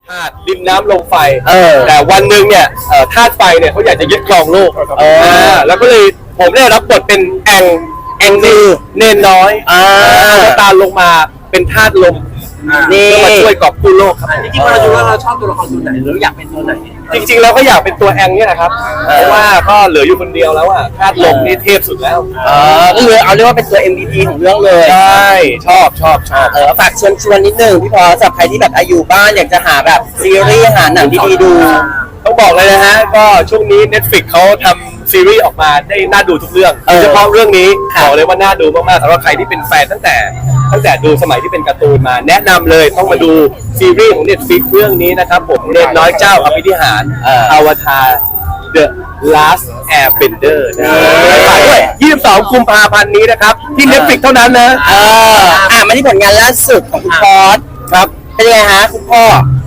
ดินน้ำลมไฟแต่วันหนึ่งเนี่ยธาตุไฟเนี่ยเขาอยากจะยึดครองโลกแล้วก็เลยผมได้รับบทเป็นแองคือเนนน้อยตาลงมาเป็นธาตุลมนี่มาช่วยกอบกู้โลกครับจริงๆเราดูว่าเราชอบตัวละครตัวไหนหรืออยากเป็นตัวไหนจริงๆเราก็อยากเป็นตัวแองเนี่ยนะครับเพราะว่าก็เหลืออยู่คนเดียวแล้วอะธาตุลมนี่เทพสุดแล้วก็เลยเอาเรียกว่าเป็นตัว MVP ของเรื่องเลยใช่ชอบฝากชวนนิดนึงพี่พอสำหรับใครที่แบบอยู่บ้านอยากจะหาแบบซีรีส์หาหนังดีๆดูต้องบอกเลยนะฮะก็ช่วงนี้ Netflix เขาทำซีรีส์ออกมาได้น่าดูทุกเรื่องโดยเฉพาะเรื่องนี้บอกเลยว่าน่าดูมากๆสำหรับใครที่เป็นแฟนตั้งแต่ดูสมัยที่เป็นการ์ตูนมาแนะนำเลยต้องมาดูซีรีส์ของ Netflix เรื่องนี้นะครับผมเนนน้อยเจ้าอภินิหารอวตาร The Last Airbender ฝากด้วย22 กุมภาพันธ์นี้นะครับที่ Netflix เท่านั้นนะมาที่ผลงานล่าสุดของคุณพอสครับเป็นไงฮะคุณพ่อ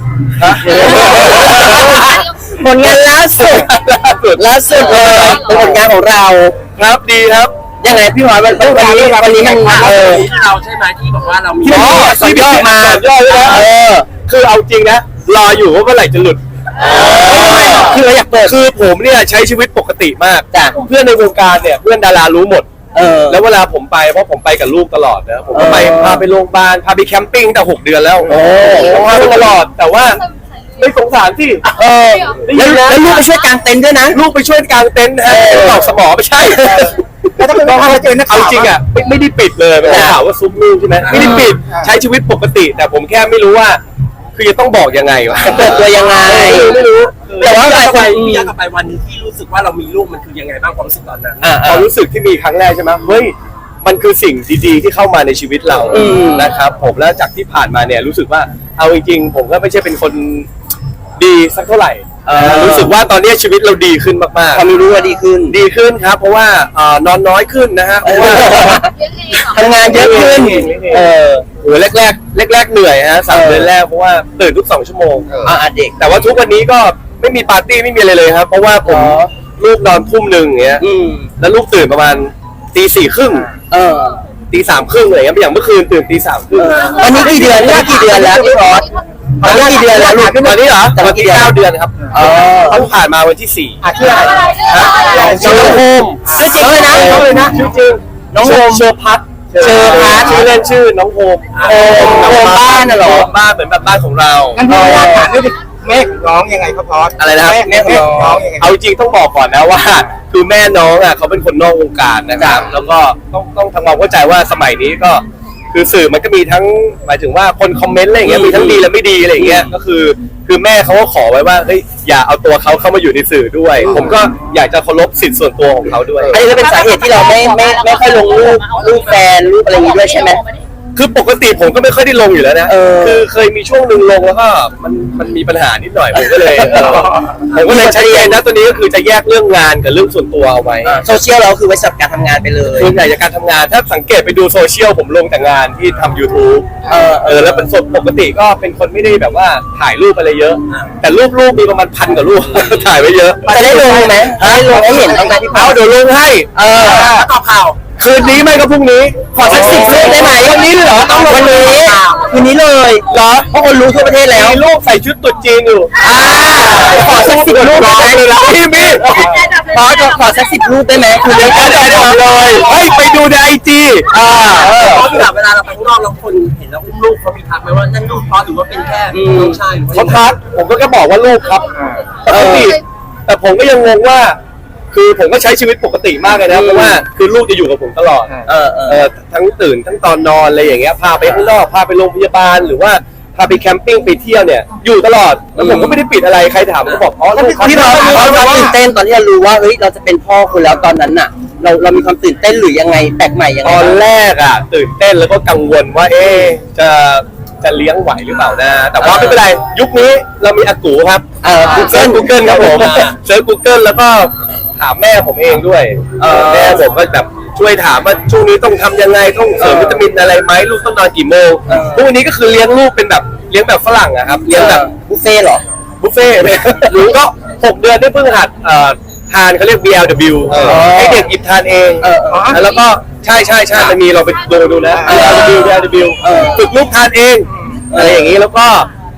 ผลงานล่าสุดเลยเป็นผลงานของเราครับดีครับยังไงพี่หอยวันนี้มันเราใช่ไหมที่บอกว่าเรามีสุดยอดมาคือเอาจริงนะรออยู่ว่าเมื่อไหร่จะหลุดคือเราอยากเปิดคือผมเนี่ยใช้ชีวิตปกติมากเพื่อนในวงการเนี่ยเพื่อนดารารู้หมดแล้วเวลาผมไปเพราะผมไปกับลูกตลอดนะผมก็ไปพาไปโรงพยาบาลพาไปแคมปิ้งแต่6 เดือนแล้วพาไปตลอดแต่ว่าไม่สงสารที่แล้วลูกไปช่วยกางเต็นท์ด้วยนะลูกไปช่วยกางเต็นท์นะตอกสมอไม่ใช่แล้วถ้าเป็นพ่อเจอนักข่าวจริงอ่ะไม่ได้ปิดเลยไม่ได้ข่าวว่าซุปลูกใช่ไหมไม่ได้ปิดใช้ชีวิตปกติแต่ผมแค่ไม่รู้ว่าคือจะต้องบอกยังไงวะเปิดตัวยังไงไม่รู้แต่ว่าพี่ย้อนกลับไปวันนี้ที่รู้สึกว่าเรามีลูกมันคือยังไงบ้างความรู้สึกตอนนั้นความรู้สึกที่มีครั้งแรกใช่ไหมเฮ้ยมันคือสิ่งดีๆที่เข้ามาในชีวิตเรานะครับผมแล้วจากที่ผ่านมาเนี่ยรู้สึกว่าเอาจริงๆผมก็ไม่ใช่เป็นคนดีสักเท่าไหร่รู้สึกว่าตอนนี้ชีวิตเราดีขึ้นมากๆความรู้ว่าดีขึ้นครับเพราะว่านอนน้อยขึ้นนะฮะทำงานเยอะขึ้นแรกเหนื่อยฮะ3 เดือนแรกเพราะว่าตื่นทุก2 ชั่วโมงเด็กแต่ว่าทุกวันนี้ก็ไม่มีปาร์ตี้ไม่มีอะไรเลยครับเพราะว่าผมลูกนอนทุ่ม 1อย่างเงี้ยแล้วลูกตื่นประมาณตี 4 ครึ่งตี 3 ครึ่งอะไรเงี้ยอย่างเมื่อคืนตื่นตี 3 ครึ่งตอนนี้กี่เดือนแล้วพี่พอสตอนนี้กี่เดือนแล้วลูกตอนนี้เหรอตอนนี้9 เดือนครับต้องผ่านมาวันที่4 ชื่ออะไรน้องโฮมชื่อเลยนะชื่อจริงน้องโฮมเชอร์พัทชื่อเล่นชื่อน้องโฮมบ้านน่ะหรอบ้านเหมือนแบบบ้านของเรางั้นพี่อยากถามด้วยแม่ร้องยังไงครับพอสอะไรนะครับแม่ร้องยังไงเอาจริงต้องบอกก่อนนะว่าคือแม่น้องอ่ะเขาเป็นคนนอกวงการนะครับแล้วก็ต้องทำความเข้าใจว่าสมัยนี้ก็คือสื่อมันก็มีทั้งหมายถึงว่าคนคอมเมนต์อะไรอย่างเงี้ยมีทั้งดีและไม่ดีอะไรอย่างเงี้ยก็คือแม่เขาก็ขอไว้ว่าเฮ้ยอย่าเอาตัวเขาเข้ามาอยู่ในสื่อด้วยผมก็อยากจะเคารพสิทธิส่วนตัวของเขาด้วยอันนี้ก็เป็นสาเหตุที่เราไม่ค่อยลงรูปแฟนรูปอะไรอย่างงี้ด้วยใช่ไหมคือปกติผมก็ไม่ค่อยได้ลงอยู่แล้วนะคือเคยมีช่วงหนึ่งลงแล้วก็มันมีปัญหานิดหน่อยผมก็เลยใช้นะตัวนี้ก็คือจะแยกเรื่องงานกับเรื่องส่วนตัวเอาไว้โซเชียลเราคือไว้สำหรับการทำงานไปเลยส่วนใหญ่จากการทำงานถ้าสังเกตไปดูโซเชียลผมลงแต่งานที่ทำ YouTube แล้วเป็นสดปกติก็เป็นคนไม่ได้แบบว่าถ่ายรูปอะไรเยอะแต่รูปมีประมาณ1,000 กว่ารูปถ่ายไว้เยอะจะได้ลงไหมได้ลงให้เห็นต้องการที่เดี๋ยวลงให้ต่อข่าวคืนนี้ไม่ก็พรุ่งนี้ขอสัก10 รูปได้ไหมวันนี้เหรอต้องวันนี้คืนนี้เลยเหรอเพราะคนรู้ทั่วประเทศแล้วมีลูกใส่ชุดตุ๊ดจีนอยู่ขอสัก10 รูปได้ไหมพี่ขอสัก10 รูปได้ไหมคือเดี๋ยวจะได้เลยไปดูในIG เพราะเวลาเราไปข้างนอกเราคนเห็นแล้วอุ้มลูกเขามีทักไหมว่านั่นลูกเพราะหรือว่าเป็นแค่น้องชายเขาทักผมก็แค่บอกว่าลูกครับแต่ผมก็ยังงงว่าคือผมก็ใช้ชีวิตปกติมากเลยนะเพราะว่าคือลูกจะอยู่กับผมตลอดทั้งตื่นทั้งตอนนอนอะไรอย่างเงี้ยพาไปข้างนอกพาไปโรงพยาบาลหรือว่าพาไปแคมปิ้งไปเที่ยวเนี่ยอยู่ตลอดแล้วผมก็ไม่ได้ปิดอะไรใครถามก็บอกที่เราตื่นเต้นตอนที่เรารู้ว่าเฮ้ยเราจะเป็นพ่อคุณแล้วตอนนั้นน่ะเรามีความตื่นเต้นหรือยังไงแปลกใหม่ยังไงตอนแรกอ่ะตื่นเต้นแล้วก็กังวลว่าจะเลี้ยงไหวหรือเปล่านะแต่ว่าไม่เป็นไรยุคนี้เรามีอากูครับGoogle ครับผมเซิร์ช Google แล้วก็ถามแม่ผมเองด้วยแม่ผมก็แบบช่วยถามว่าช่วงนี้ต้องทำยังไงต้องเสริมวิตามินอะไรไหมลูกต้องนอนกี่โมงพวกนี้ก็คือเลี้ยงลูกเป็นแบบเลี้ยงแบบฝรั่งอะครับเลี้ยงแบบบุฟเฟ่หรอบุฟเฟ่หรือก็6 เดือนได้เพิ่งหัดทานเขาเรียก BLW ให้เด็กหยิบทานเองแล้วก็ใช่มันมีเราไปดูนะ BLW ฝึกลูกทานเองอะไรอย่างนี้แล้วก็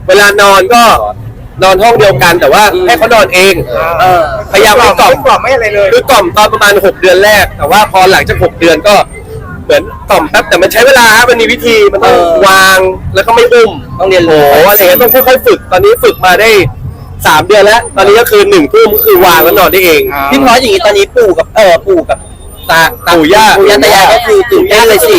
เวลานอนก็นอนห้องเดียวกันแต่ว่าให้เขานอนเองพยายามไม่กล่อมไม่อะไรเลยคือกล่อมตอนประมาณ6 เดือนแรกแต่ว่าพอหลังจาก6 เดือนก็เหมือนกล่อมแป๊บแต่มันใช้เวลามันมีวิธีมันต้องวางแล้วก็ไม่อุ้มต้องเรียนรู้อะไรเงี้ยต้องค่อยๆฝึกตอนนี้ฝึกมาได้3 เดือนแล้วตอนนี้ก็คือ1 ทุ่มก็คือวางแล้วนอนได้เองพี่พออย่างนี้ตอนนี้ปู่กับตาปู่ย่าปู่ย่าตายายก็คือตื่นเต้นเลยสิ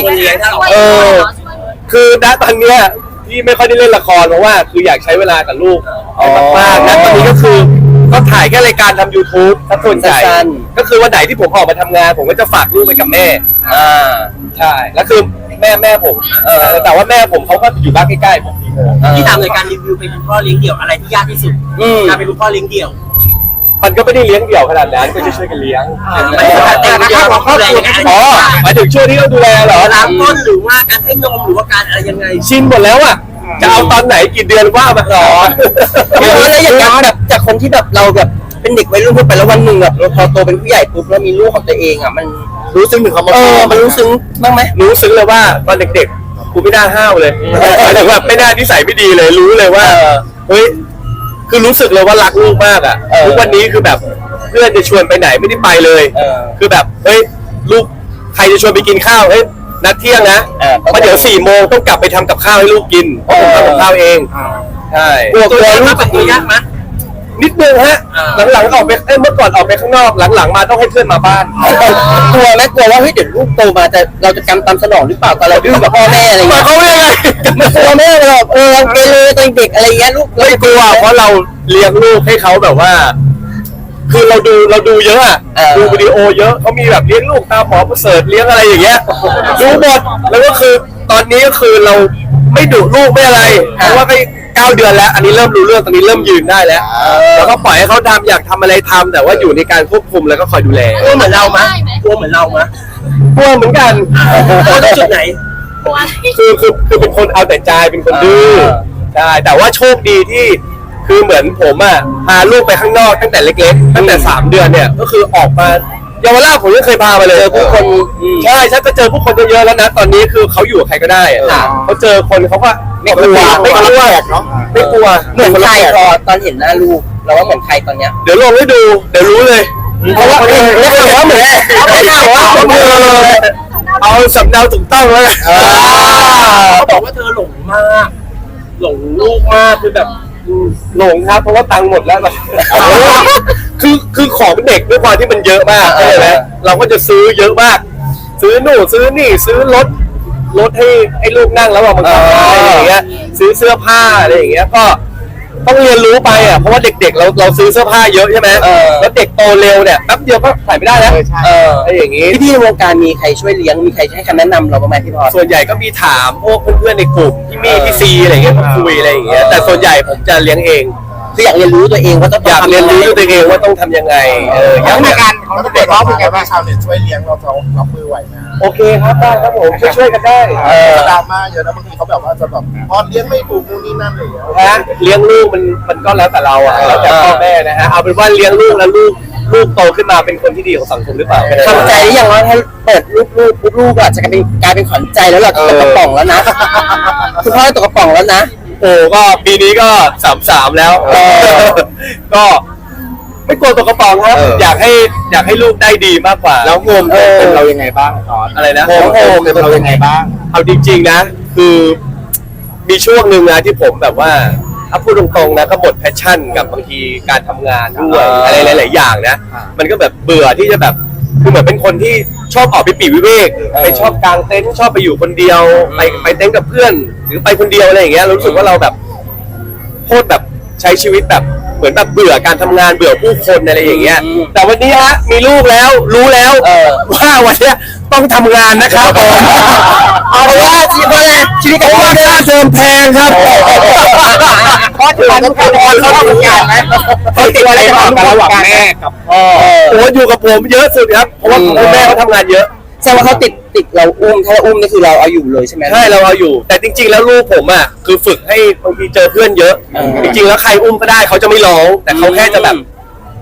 คือณตอนเนี้ยที่ไม่ค่อยได้เล่นละครเพราะว่าคืออยากใช้เวลากับลูกมากๆนะตอนนี้ก็คือก็ถ่ายแค่รายการทำ YouTube ถ้าส่วนใหญ่ก็คือวันไหนที่ผมออกมาทำงานผมก็จะฝากลูกไว้กับแม่ใช่แล้วคือแม่ผมแต่ว่าแม่ผมเขาก็อยู่บ้านใกล้ๆผมที่ทำในการรีวิวเป็นคุณพ่อเลี้ยงเดี่ยวอะไรที่ยากที่สุดการเป็นคุณพ่อเลี้ยงเดี่ยวมันก็ไม่ได้เลี้ยงเดี่ยวขนาดนั้นก็จะช่วยกันเลี้ยงไม่ใช่การแต่งเดี่ยวของครอบครัวอ๋อหมายถึงช่วงที่เขาดูแลเหรอล้างก้นหรือว่าการให้นมหรือว่าการอะไรยังไงชินหมดแล้วอ่ะจะเอาตอนไหนกี่เดือนว่ามาต่อพี่พอแล้วอย่างนั้นแบบจากคนที่แบบเราแบบเป็นเด็กวัยรุ่นทั่วไปแล้ววันหนึ่งแบบเราพอโตเป็นผู้ใหญ่ปุ๊บแล้วมีลูกของตัวเองอ่ะมันรู้ซึ้งถึงคำว่ามันรู้ซึ้งบ้างไหมรู้ซึ้งเลยว่าตอนเด็กๆกูไม่น่าห้าวเลยหมายถึงว่าไม่น่านิสัยไม่ดีเลยรู้เลยว่าเฮ้ยคือรู้สึกเลยว่ารักลูกมากอ่ะทุกวันนี้คือแบบเพื่อนจะชวนไปไหนไม่ได้ไปเลยคือแบบเฮ้ยลูกใครจะชวนไปกินข้าวเฮ้ยนัดเที่ยงนะเพราะเดี๋ยว4 โมงต้องกลับไปทำกับข้าวให้ลูกกินเพราะผมทำกับข้าวเองใช่กลัวตัวลูลูกกแบบนี้ยากไหมนิดนึงฮะหลังๆออกไปเมื่อก่อนออกไปข้างนอกหลังๆมาต้องให้เพื่อนมาบ้านกลัวไหมกลัวว่าเฮ้ยเดี๋ยวลูกโตมาเราจะกำตามสนองหรือเปล่าตอนเราดื้อกับพ่อแม่อะไรหมายเงี้ยความว่ายังไงมันกลัวแม่เลยแบบเราเกเรตอนเด็กอะไรเงี้ยลูกไม่กลัวเพราะเราเลี้ยงลูกให้เขาแบบว่า คือเราดูเยอะอะดูวิดีโอเยอะเขามีแบบเลี้ยงลูกตามหมอประเสริฐเลี้ยงอะไรอย่างเงี้ยดูหมดแล้วก็คือตอนนี้ก็คือเราไม่ดุลูกไม่อะไรเพราะว่าไป9 เดือนแล้ว อันนี้เริ่มรู้เรื่องตอนนี้เริ่มยืนได้แล้วแล้วก็ปล่อยให้เขาทำอยากทำอะไรทำแต่ว่าอยู่ในการควบคุมแล้วก็คอยดูแลกลัวเหมือนเราไหมกลัวเหมือนเราไหมกลัวเหมือนกันกลัวในจุดไหนคือเป็นคนเอาแต่ใจเป็นคนดื้อใช่แต่ว่าโชคดีที่คือเหมือนผมอ่ะพาลูกไปข้างนอกตั้งแต่เล็กๆตั้งแต่3 เดือนเนี่ยก็คือออกมาเยาวราชผมยังเคยพาไปเลยผู้คนใช่ฉันก็เจอผู้คนเยอะๆแล้วนะตอนนี้คือเขาอยู่กับใครก็ได้เขาเจอคนเขาก็ไม่กลัวไม่กลัวไม่กลัวเหมือนใครพอตอนเห็นหน้าลูกเราว่าเหมือนใครตอนเนี้ยเดี๋ยวลงให้ดูเดี๋ยวรู้เลยเพราะว่าเหมือนเอาสำเนาถูกต้องแล้วเขาบอกว่าเธอหลงมาก หลงลูกมากคือแบบหลงครับเพราะว่าตังค์หมดแล้วคือของเด็กด้วยความที่มันเยอะมากใช่ไหมเราก็จะซื้อเยอะมาก ซื้อนู่นซื้อนี่ซื้อรถให้ลูกนั่งแล้วมันขับอะไรอย่างเงี้ยซื้อเสื้อผ้าอะไรอย่างเงี้ยก็ต้องเรียนรู้ไปอ่ะเพราะว่าเด็กๆเราซื้อเสื้อผ้าเยอะใช่ไหมแล้วเด็กโตเร็วเนี่ยแป๊บเดียวก็ใส่ไม่ได้แล้วอะไรอย่างงี้พี่ในวงการมีใครช่วยเลี้ยงมีใครให้คำแนะนำเราบ้างไหมพี่พอส่วนใหญ่ก็มีถามพวกเพื่อนๆในกลุ่มพี่มี่พี่ซีอะไรอย่างเงี้ยมาคุยอะไรอย่างเงี้ยแต่ส่วนใหญ่ผมจะเลี้ยงเองคืออยากเรียนรู้ตัวเองว่าต้องอยากเรียนรู้ด้วยตัวเองว่าต้องทำยังไงอย่างในการเขาจะเปิดร้องเป็นไงบ้างชาวเน็ตช่วยเลี้ยงเรารับมือไหวไหมโอเคครับได้ครับผมช่วยกันได้ดราม่าเยอะนะบางทีเขาแบบว่าจะแบบพอเลี้ยงไม่ถูกนู่นนี่นั่นอะไรอย่างเงี้ยนะเลี้ยงลูกมันก็แล้วแต่เราอ่ะแล้วแต่พ่อแม่นะฮะเอาเป็นว่าเลี้ยงลูกแล้วลูกโตขึ้นมาเป็นคนที่ดีของสังคมหรือเปล่าทำใจหรือยังว่าถ้าเปิดลูกอาจจะกลายเป็นขวัญใจแล้วล่ะตกกระป๋องแล้วนะคุณพ่อตกกระป๋องแล้วนะโอ้ก็ปีนี้ก็33แล้วก็ไม่กลัวตกกระป๋องครับอยากให้ลูกได้ดีมากกว่าแล้วโฮมเป็นเรายังไงบ้างตอนอะไรนะโฮมเป็นเรายังไงบ้างเอาจริงๆนะคือมีช่วงหนึ่งนะที่ผมแบบว่าถ้าพูดตรงๆนะก็หมดแพชชั่นกับบางทีการทำงานด้วยอะไรหลายๆอย่างนะมันก็แบบเบื่อที่จะแบบคือเหมือนเป็นคนที่ชอบออกไปปีกวิเวกไปชอบกางเต็นท์ชอบไปอยู่คนเดียวไปเต็นท์กับเพื่อนหรือไปคนเดียวอะไรอย่างเงี้ยรู้สึกว่าเราแบบโคตรแบบใช้ชีวิตแบบเหมือนแบบเบื่อการทำงานเบื่อผู้คนอะไรอย่างเงี้ยแต่วันนี้ฮะมีลูกแล้วรู้แล้วว่าวันเนี้ยต้องทำงานนะครับเอาว่าชีวิตของว่าค่าเทอมแพงครับเพราะถึงต้องเขาทำงานไหมเขาติดอะไรระหว่างแม่กับพ่อโอ้อยู่กับผมเยอะสุดครับเพราะว่าคุณแม่เขาทำงานเยอะแสดงว่าเขาติดเราอุ้มถ้าเราอุ้มนี่คือเราเอาอยู่เลยใช่ไหมใช่เราเอาอยู่แต่จริงๆแล้วลูกผมอ่ะคือฝึกให้บางทีเจอเพื่อนเยอะจริงๆแล้วใครอุ้มก็ได้เขาจะไม่ร้องแต่เขาแค่จะแบบ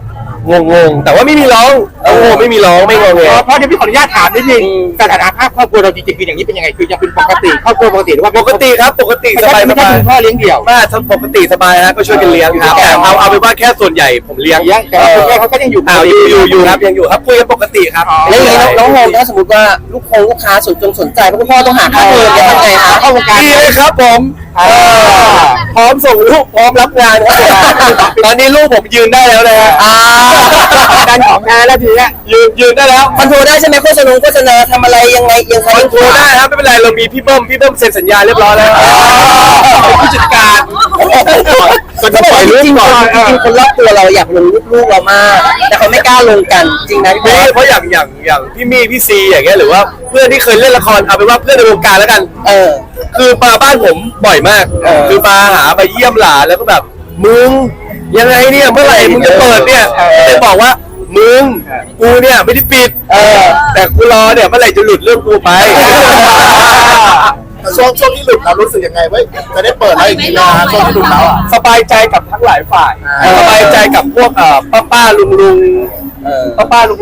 งงแต่ว่าไม่มีร้องโอ้โหไม่มีร้องไม่งงเลยเพราะเดี๋ยวพี่ขออนุญาตถามนิดนึงสถานะภาพครอบครัวเราจริงๆคืออย่างนี้เป็นยังไงคือยังเป็นปกติครอบครัวปกติหรือว่าปกติครับปกติสบายไม่ใช่คุณพ่อเลี้ยงเดี่ยวมากทั้งปกติสบายนะก็ช่วยกันเลี้ยงครับแต่เอาเป็นว่าแค่ส่วนใหญ่ผมเลี้ยงแต่ว่าคุณแม่เขาก็ยังอยู่อยู่ครับยังอยู่ครับคุยกันปกติครับแล้วอย่างนี้น้องโฮมถ้าสมมติว่าลูกค้าสนใจเพราะคุณพ่อต้องหาค่าเทอมจะทำไงคะเข้าวงการดีเลยครับผมพร้อมส่งลูกพร้อมรับงานครับตอนนี้ลูกผมยืนได้แล้วนะฮะดันของงานแล้วทีเนี้ยยืนได้แล้วคอนโทรลได้ใช่ไหมโฆษณาทำอะไรยังไงยังใครคอนโทรลได้ครับไม่เป็นไรเรามีพี่เบิ้มเซ็นสัญญาเรียบร้อยแล้วผู้จัดการก็จะปล่อยลูกจริงก่อนๆคนรอบตัวเราอยากลงลูกเรามากแต่เขาไม่กล้าลงกันจริงนะพี่เพราะอย่างพี่มี่พี่ซีอย่างเงี้ยหรือว่าเพื่อนที่เคยเล่นละครเอาเป็นว่าเพื่อนในวงการแล้วกัน คือมาบ้านผมบ่อยมาก คือมาหาไปเยี่ยมหลานแล้วก็แบบมึงยังไงเนี่ยเมื่อไหร่มึงจะเปิดเนี่ยเลยบอกว่ามึงกูเนี่ยไม่ได้ปิดแต่กูรอเนี่ยเมื่อไหร่จะหลุดเรื่องกูไปช่วงที่หลุดเรารู้สึกยังไงเว้ยจะได้เปิดแล้วอย่างนี้นะช่วงที่หลุดแล้วอ่ะสบายใจกับทั้งหลายฝ่ายสบายใจกับพวกป้าลุงป้าลุง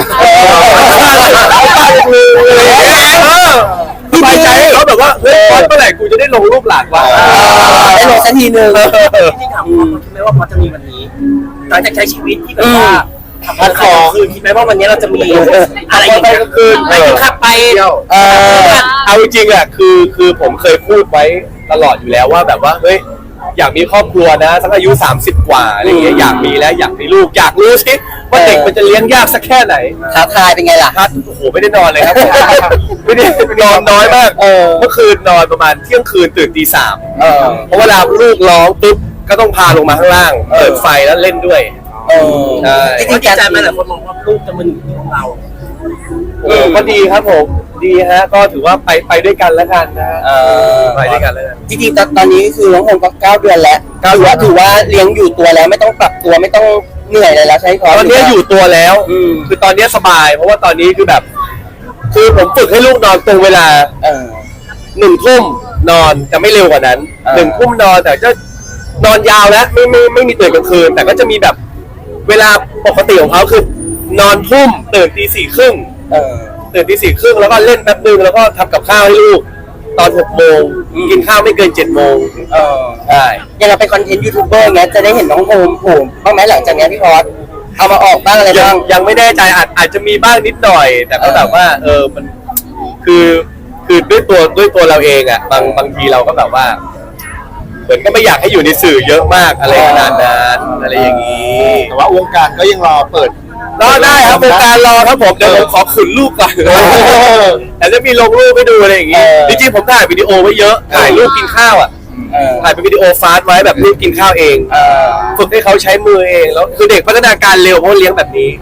สบายใจให้เขาแบบว่าเฮ้ยเมื่อไหร่กูจะได้ลงรูปหลานวะได้ลงสักทีนึงที่ถามว่าคิดไหมว่าพอจะมีวันนี้หลังจากใช้ชีวิตที่แบบว่าทำงานคืนคิดไหมว่าวันนี้เราจะมีอะไรอย่างเงี้ยคืนไปกินข้าวไปเอาจริงๆอ่ะคือผมเคยพูดไว้ตลอดอยู่แล้วว่าแบบว่าเฮ้ยอยากมีครอบครัวนะสักอายุ30 กว่าอะไรเงี้ยอยากมีแล้วอยากมีลูกอยากรู้สิว่าเด็กมันจะเลี้ยงยากสักแค่ไหนท้าทายเป็นไงล่ะครับโอ้โหไม่ได้นอนเลยครับไม่ได้นอนน้อยมากเมื่อคืนนอนประมาณเที่ยงคืนตื่นตี 3เพราะเวลาลูกร้องปุ๊บก็ต้องพาลงมาข้างล่างเปิดไฟแล้วเล่นด้วยใช่จริงๆใจไหมหลายคนมองว่าลูกจะมาอยู่ของเราก็ดีครับผมดีฮะก็ถือว่าไปด้วยกันแล้วกันนะไปด้วยกันแล้วกันจริงๆตอนนี้คือน้องโฮมก็9 เดือนแล้วถือว่าเลี้ยงอยู่ตัวแล้วไม่ต้องปรับตัวไม่ต้องเหนื่อยเลยแล้วใช่ไหมตอนนี้อยู่ตัวแล้วคือตอนนี้สบายเพราะว่าตอนนี้คือแบบคือผมฝึกให้ลูกนอนตรงเวลา1 ทุ่มนอนจะไม่เร็วกว่านั้น1 ทุ่มนอนแต่จะนอนยาวแล้วไม่มีตื่นกลางคืนแต่ก็จะมีแบบเวลาปกติของเขาคือนอนทุ่มตื่นตี 4:30ตื่นตี 4:30แล้วก็เล่นแป๊บนึงแล้วก็ทำกับข้าวให้ลูกตอน6 โมงกินข้าวไม่เกิน7 โมงใช่ยังเราเป็นคอนเทนต์ยูทูบเบอร์เงี้ยจะได้เห็นน้องโฮมโผล่บ้างไหมหลังจากนี้พี่พอสเอามาออกบ้างอะไรบ้างยังไม่แน่ใจอาจจะมีบ้างนิดหน่อย แต่ก็แบบว่ามันคือด้วยตัวเราเองอ่ะบางทีเราก็แบบว่าเหมือนก็ไม่อยากให้อยู่ในสื่อเยอะมากอะไรขนาดนั้นอะไรอย่างนี้แต่ว่าวงการก็ยังรอเปิดรอได้ครับเป็นการรอครับผมเดี๋ยวผมขอขุนลูกก่อนแต่จะมีลงรูปให้ดูอะไรอย่างงี้จริงๆผมถ่ายวิดีโอไว้เยอะถ่ายรูปกินข้าวอ่ะถ่ายเป็นวิดีโอฟาสต์ไว้แบบลูกกินข้าวเองฝึกให้เขาใช้มือเองแล้วคือเด็กพัฒนาการเร็วเพราะเลี้ยงแบบนี้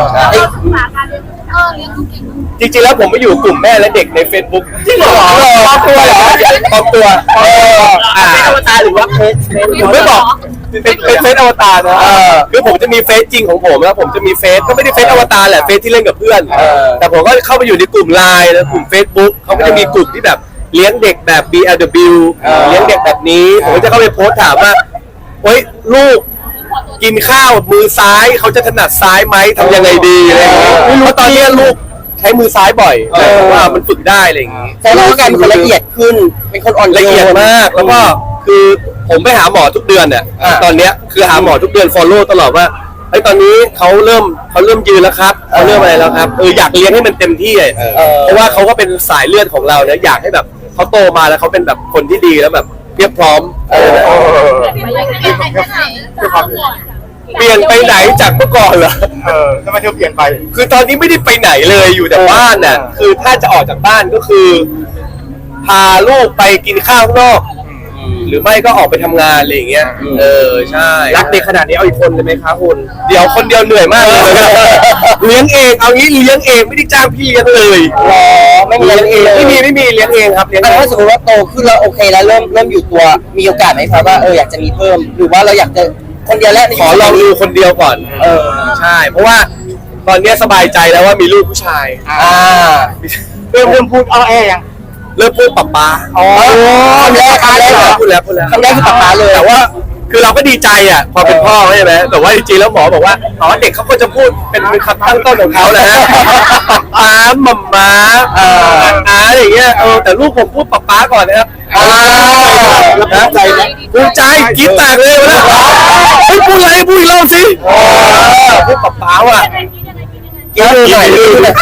จริงๆแล้วผมไม่อยู่กลุ่มแม่และเด็กใน Facebook จริงเหรอปลอมตัวเหรอปลอมตัวเป็นอวตารหรือว่าเพจผมไม่บอกเป็นเฟซอวตารนะคือผมจะมีเฟซจริงของผมแล้วผมจะมีเฟซก็ไม่ได้เฟซอวตารแหละเฟซที่เล่นกับเพื่อนแต่ผมก็เข้าไปอยู่ในกลุ่มไลน์แล้วกลุ่ม Facebook เขาก็จะมีกลุ่มที่แบบเลี้ยงเด็กแบบ BLW เลี้ยงเด็กแบบนี้ผมก็จะเข้าไปโพสต์ถามว่าเฮ้ยลูกกินข้าวมือซ้ายเขาจะถนัดซ้ายไหมทำยังไงดีอะไรอย่างเงี้ยเพราะตอนนี้ลูกใช้มือซ้ายบ่อยว่ามันฝึกได้อะไรอย่างงี้แต่รู้กันเป็นคนละเอียดขึ้นเป็นคนอ่อนละเอียดมากแล้วก็คือผมไปหาหมอทุกเดือนเนี่ยตอนเนี้ยคือหาหมอทุกเดือน follow ตลอดว่าไอ้ตอนนี้เขาเริ่มยืนแล้วครับเขาเริ่มอะไรแล้วครับอยากเลี้ยงให้มันเต็มที่เพราะว่าเขาก็เป็นสายเลือดของเราเนี่ยอยากให้แบบเขาโตมาแล้วเขาเป็นแบบคนที่ดีแล้วแบบเรียบพร้อมเปลี่ยนไปไหนจากเมื่อก่อนเหรอทำไมเธอเปลี่ยนไปคือตอนนี้ไม่ได้ไปไหนเลยอยู่แต่บ้านน่ะคือถ้าจะออกจากบ้านก็คือพาลูกไปกินข้าวข้างนอกหรือไม่ก็ออกไปทำงานอะไรอย่างเงี้ยใช่รักเด็กขนาดนี้เอาอีกคนเลยไหมคะคุณเดี๋ยวคนเดียวเหนื่อยมากเลยเลี้ยงเองเอางี้เลี้ยงเองไม่ได้จ้างพี่เลี้ยงเลยไม่มีเลี้ยงเองไม่มีเลี้ยงเองครับเลี้ยงถ้าสมมติว่าโตขึ้นแล้วโอเคแล้วเริ่มอยู่ตัวมีโอกาสไหมครับว่าอยากจะมีเพิ่มหรือว่าเราอยากจะคนเดียวแล้วขอลองดูคนเดียวก่อนใช่เพราะว่าตอนนี้สบายใจแล้วว่ามีลูกผู้ชายเริ่มพูดยังเริ่มพูดป๊าป๊าคำแรกพูดแล้วคำแรกคือป๊าป๊าเลยแต่ว่าคือเราก็ดีใจอ่ะพอเป็นพ่อใช่ไหมแต่ว่าจริงๆแล้วหมอบอกว่าเด็กเขาก็จะพูดเป็นคำตั้งต้นของเขาแหละฮะป๊าหม่าม้าอะไรอย่างเงี้ยแต่ลูกผมพูดป๊าก่อนนะครับภูมิใจไหมภูมิใจกิ๊บแตกเลยนะเฮ้ยพูดอะไรพูดอีกรอบสิพูดป๊าว่ะเยอะหน่อย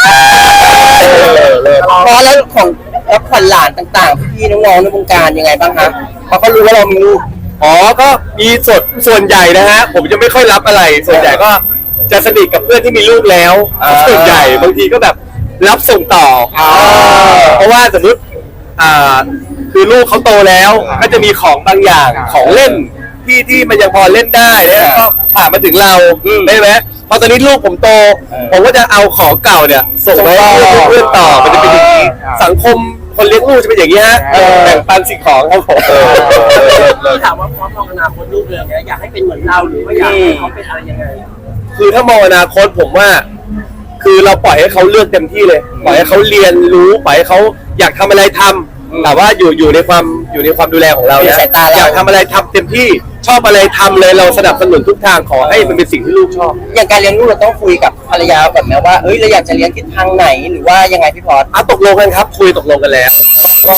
พอแล้วของแล้วขวัญหลานต่างๆพี่ๆน้องๆในวงการยังไงบ้างฮะพอเขารู้ว่าเรามีลูกก็มีส่วนใหญ่นะฮะผมจะไม่ค่อยรับอะไร ส่วนใหญ่ก็จะสนิทกับเพื่อนที่มีลูกแล้วส่วนใหญ่บางทีก็แบบรับส่งต่อเพราะว่าสมมติคือลูกเขาโตแล้วก็จะมีของบางอย่างของเล่นที่มันยังพอเล่นได้แล้วก็ผ่านมาถึงเราได้ไหมพอตอนนี้ลูกผมโตผมก็จะเอาของเก่าเนี่ยส่งไปให้เพื่อนต่อมันจะเป็นอย่างนี้สังคมคนเลี้ยงลูกจะเป็นอย่างนี้ฮะแบ่งปันสิ่งของครับผมพี่ถามว่าพร้อมมองอนาคตลูกเลยอยากให้เป็นเหมือนเราหรือว่าอยากให้เขาเป็นอะไรยังไงคือถ้ามองอนาคตผมว่า คือเราปล่อยให้เขาเลือกเต็มที่เลย ปล่อยให้เขาเรียนรู้ปล่อยให้เขาอยากทำอะไรทำแต่ว่าอยู่ในความดูแลของเราในนะสายตาเราอยากทำอะไรทำเต็มที่ชอบอะไรทำเลยเราสนับสนุนทุกทางขอให้มันเป็นสิ่งที่ลูกชอบอย่างการเลี้ยงลูกเราต้องคุยกับภรรยาแบบไหมว่าเอ้ยเราอยากจะเลี้ยงทิศทางไหนหรือว่ายังไงพี่พอดตกลงกันครับคุยตกลงกันแล้วก็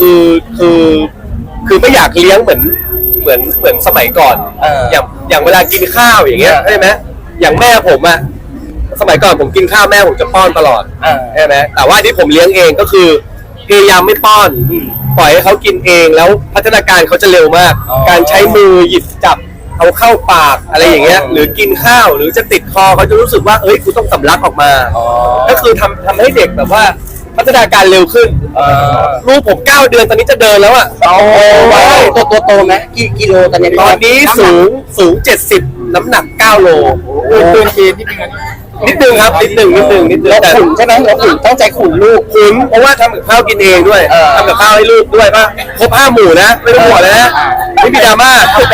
คือไม่อยากเลี้ยงเหมือนสมัยก่อนอย่างเวลากินข้าวอย่างเงี้ยใช่ไหมอย่างแม่ผมอะสมัยก่อนผมกินข้าวแม่ผมจะป้อนตลอดใช่ไหมแต่ว่าที่ผมเลี้ยงเองก็คือพยายามไม่ป้อนปล่อยให้เขากินเองแล้วพัฒนาการเขาจะเร็วมาก การใช้มือหยิบจับเอาเข้าปากอะไรอย่างเงี้ยหรือกินข้าวหรือจะติดคอเขาจะรู้สึกว่าเอ้ยกูต้องสำลักออกมาก็คือทำให้เด็กแบบว่าพัฒนาการเร็วขึ้นลูกผม9 เดือนตอนนี้จะเดินแล้วอ่ะตัวโตไหมกี่กิโลตอนนี้ตอนนี้สูง70น้ำหนัก9 โลเกินเกณฑ์นิดนึงนิดนึงครับนิดนึงเราแต่ขุนใช่ไหมเราขุนต้องใจขุนลูกขุนเพราะว่าทำกับข้าวกินเองด้วยทำกับข้าวให้ลูกด้วยป่ะครบ5 หมู่นะไม่ต้องห่วงเลยนะไม่มีดราม่า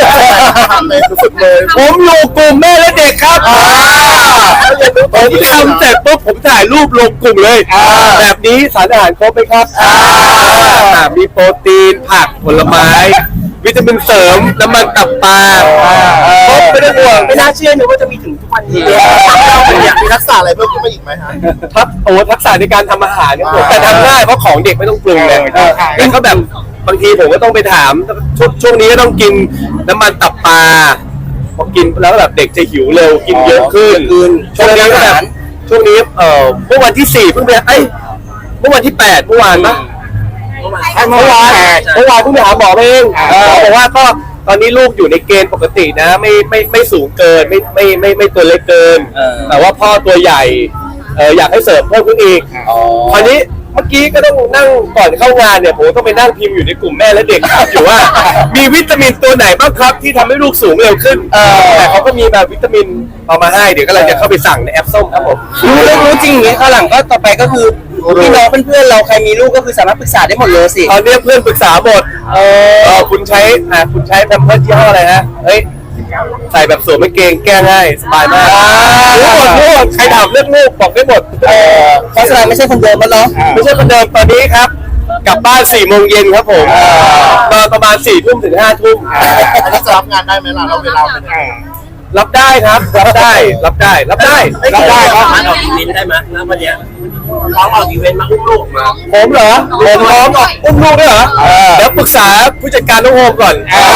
ผมอยู่กลุ่มแม่และเด็กครับผมทำเสร็จปุ๊บผมถ่ายรูปลงกลุ่มเลยแบบนี้สารอาหารครบไหมครับมีโปรตีนผักผลไม้วิตามินเสริมน้ำมันตับปลาครบไม่ต้องห่วงไม่น่าเชื่อเลยว่าจะมีถึงทุกวันนี้อยากมีทักษะอะไรเพิ่มขึ้นมาอีกไหมฮะทักษะในการทำอาหารเนี่ยผมแต่ทำง่ายเพราะของเด็กไม่ต้องปรุงเลยแต่ก็แบบบางทีผมก็ต้องไปถามช่วงนี้ก็ต้องกินน้ำมันตับปลาพอกินแล้วแบบเด็กจะหิวเร็วกินเยอะขึ้นช่วงนี้ก็แบบช่วงนี้เมื่อวันที่4เพิ่งไปเมื่อวันที่8เมื่อวานปะเมื่อวานเพิ่งไปหาหมอเองบอกว่าก็ตอนนี้ลูกอยู่ในเกณฑ์ปกตินะไม่สูงเกินไม่ตัวเล็กเกินแต่ว่าพ่อตัวใหญ่อยากให้เสริมเพิ่มขึ้นอีกคราวนี้เมื่อกี้ก็ต้องนั่งก่อนเข้างานเนี่ยผมต้องไปนั่งพิมพ์อยู่ในกลุ่มแม่และเด็กครับอยู่ว่ามีวิตามินตัวไหนบ้างครับที่ทำให้ลูกสูงเร็วขึ้นแต่เขาก็มีแบบวิตามินเอามาให้เดี๋ยวก็เลยจะเข้าไปสั่งในแอปส้มครับผมรู้จริงอย่างนี้ข้างหลังก็ต่อไปก็คือพี่น้องเพื่อนๆเราใครมีลูกก็คือสามารถปรึกษาได้หมดเลยสิตอนนี้เพื่อนปรึกษาหมดคุณใช้แพมเพิร์สยี่ห้ออะไรฮะเฮ้ยใส่แบบสวมกางเกงแก้ง่ายสบายมากรู้หมดใครถามเรื่องลูกบอกได้หมดเขาแสดงไม่ใช่คนเดิมแล้วเนาะไม่ใช่คนเดิมตอนนี้ครับกลับบ้าน4 โมงเย็นครับผมมาประมาณ4 ทุ่มถึง5 ทุ่มอันนี้จะรับงานได้ไหมล่ะเราเวลาเป็นยังไงรับได้ครับรับได้ครับสามารถออกอีเวนต์ได้ไหมแล้ววันนี้น้องออกอีเวนต์มาอุ้มลูกมาผมเหรอผมพร้อมออกอุ้มลูกด้วยเหรอเดี๋ยวปรึกษาผู้จัดการน้องโฮมก่อน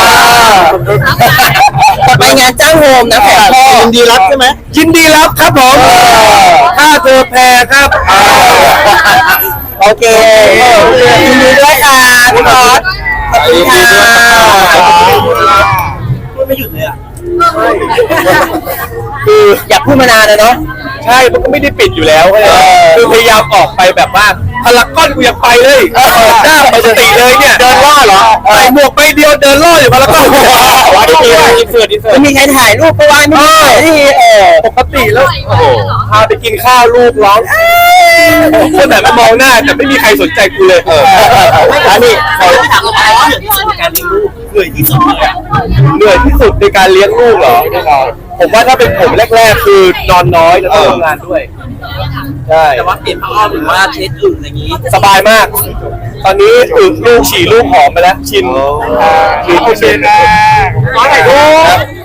ไปงานจ้างโฮมนะแขกพ่อยินดีรับใช่ไหมยินดีรับครับผมค่าเธอแพรครับโอเคยินดีด้วยค่ะพี่บอสขอบคุณค่ะพูดไม่หยุดเลยอ่ะคืออยากพูดมานานเลยเนาะใช่มันก็ไม่ได้ปิดอยู่แล้วคือพยายามออกไปแบบว่าพารากอนกูยังไปเลยหน้าปกติเลยเนี่ยเดินล่อเหรอใส่หมวกใบเดียวเดินล่ออยู่พารากอนอินเสิร์ตไม่มีใครถ่ายรูปก็ว่าไม่ได้ที่ปกติแล้วพาไปกินข้าวลูกร้องคนแต่ไม่มองหน้าแต่ไม่มีใครสนใจกูเลยอันนี้เขาถามว่าเหนื่อยที่สุดในการเลี้ยงลูกเหนื่อยที่สุดในการเลี้ยงลูกเหรอผมว่าถ้าเป็นผมแรกๆคือนอนน้อยแล้วต้องทำงานด้วยใช่แต่ว่าเปลี่ยนผ้าอ้อมหรือว่าเช็ดอึอะไรอย่างนี้สบายมากตอนนี้ลูกฉี่ลูกหอมไปแล้วชินโอเคนะขอถ่ายรูป